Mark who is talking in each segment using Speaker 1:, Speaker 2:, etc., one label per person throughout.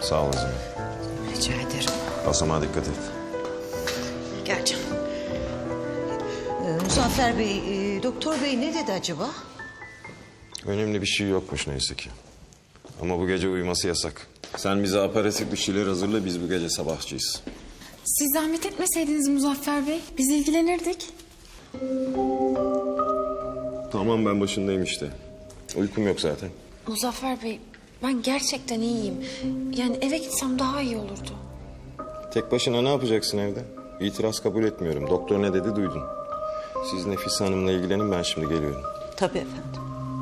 Speaker 1: Sağ ol Azime.
Speaker 2: Rica ederim.
Speaker 1: Basamağa dikkat et.
Speaker 2: Gel canım. Muzaffer Bey, doktor bey ne dedi acaba?
Speaker 1: Önemli bir şey yokmuş neyse ki. Ama bu gece uyuması yasak. Sen bize aparatif bir şeyler hazırla, biz bu gece sabahçıyız.
Speaker 3: Siz zahmet etmeseydiniz Muzaffer Bey, biz ilgilenirdik.
Speaker 1: Tamam, ben başındayım işte. Uykum yok zaten.
Speaker 3: Muzaffer Bey, ben gerçekten iyiyim. Yani eve gitsem daha iyi olurdu.
Speaker 1: Tek başına ne yapacaksın evde? İtiraz kabul etmiyorum. Doktor ne dedi duydun. Siz Nefise Hanım'la ilgilenin, ben şimdi geliyorum.
Speaker 2: Tabii efendim.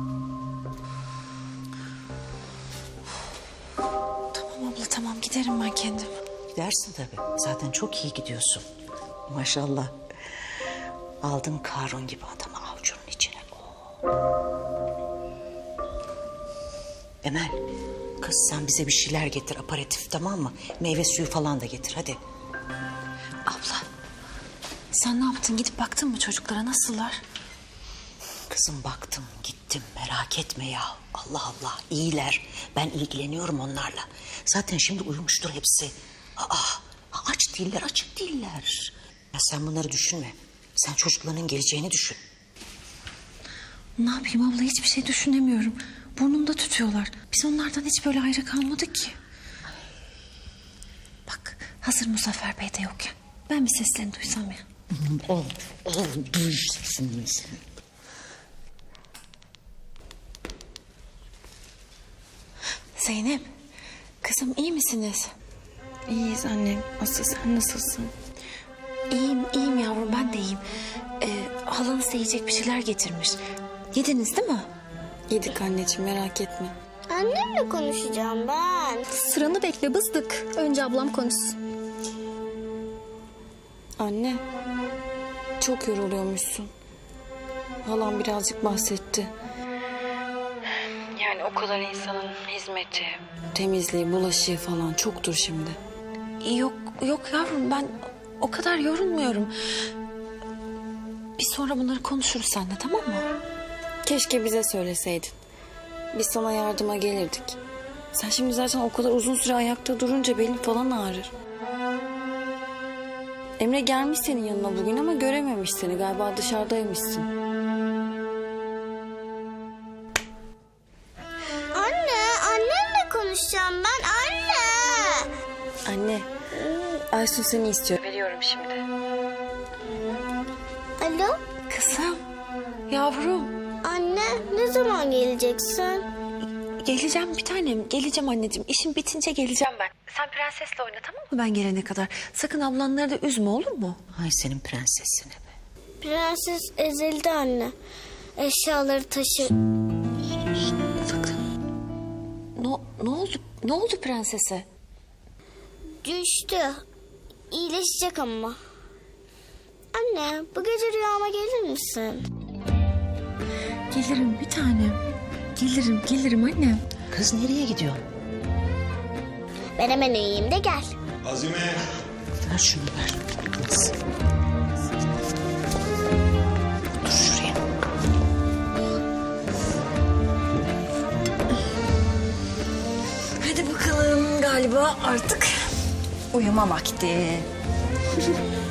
Speaker 3: Tamam abla, tamam giderim ben kendim.
Speaker 2: Gidersin tabii. Zaten çok iyi gidiyorsun. Maşallah. Aldın Karun gibi adamı avucunun içine. Emel, kız sen bize bir şeyler getir aparatif, tamam mı? Meyve suyu falan da getir hadi.
Speaker 3: Abla, sen ne yaptın? Gidip baktın mı çocuklara, nasıllar?
Speaker 2: Kızım baktım gittim, merak etme ya. Allah Allah, iyiler. Ben ilgileniyorum onlarla. Zaten şimdi uyumuştur hepsi. Aç değiller, açık değiller. Ya sen bunları düşünme. Sen çocukların geleceğini düşün.
Speaker 3: Ne yapayım abla, hiçbir şey düşünemiyorum. Burnumda tutuyorlar. Biz onlardan hiç böyle ayrı kalmadık ki. Bak, hazır Muzaffer Bey de yokken ben bir seslerini duysam ya.
Speaker 2: Duy sesini.
Speaker 3: Zeynep, kızım iyi misiniz?
Speaker 4: İyiyiz annem. Asıl sen nasılsın?
Speaker 3: İyiyim yavrum, ben de iyiyim. Halanız da yiyecek bir şeyler getirmiş. Yediniz değil mi?
Speaker 4: Yedik anneciğim, merak etme.
Speaker 5: Annemle konuşacağım ben.
Speaker 6: Sıranı bekle bızdık. Önce ablam konuşsun.
Speaker 4: Anne, çok yoruluyormuşsun. Halam birazcık bahsetti. Yani o kadar insanın hizmeti, temizliği, bulaşığı falan çoktur şimdi.
Speaker 3: Yok yavrum, ben o kadar yorulmuyorum. Biz sonra bunları konuşuruz seninle, tamam mı?
Speaker 4: Keşke bize söyleseydin. Biz sana yardıma gelirdik. Sen şimdi zaten o kadar uzun süre ayakta durunca belin falan ağrır. Emre gelmiş senin yanına bugün ama görememiş seni. Galiba dışarıdaymışsın.
Speaker 5: Annemle konuşacağım ben anne.
Speaker 4: Anne, Aysun seni istiyor. Veriyorum şimdi.
Speaker 5: Alo,
Speaker 3: Kızım, yavrum.
Speaker 5: anne ne zaman geleceksin?
Speaker 3: Geleceğim bir tanem, geleceğim anneciğim. İşim bitince geleceğim ben. Sen prensesle oyna, tamam mı, ben gelene kadar? Sakın ablanları da üzme, olur mu?
Speaker 2: Ay senin prensesine be.
Speaker 5: Prenses ezildi anne. Eşyaları taşı.
Speaker 3: Sakın. Ne oldu prensese?
Speaker 5: Düştü. İyileşecek ama. Anne bu gece rüyama gelir misin?
Speaker 3: Gelirim bir tanem. Gelirim annem.
Speaker 2: Kız nereye gidiyorsun?
Speaker 5: Ben hemen uyuyayım de gel.
Speaker 1: Azime!
Speaker 2: Ver şunu ver. Kız. Dur şuraya.
Speaker 3: Hadi bakalım, galiba artık uyuma vakti.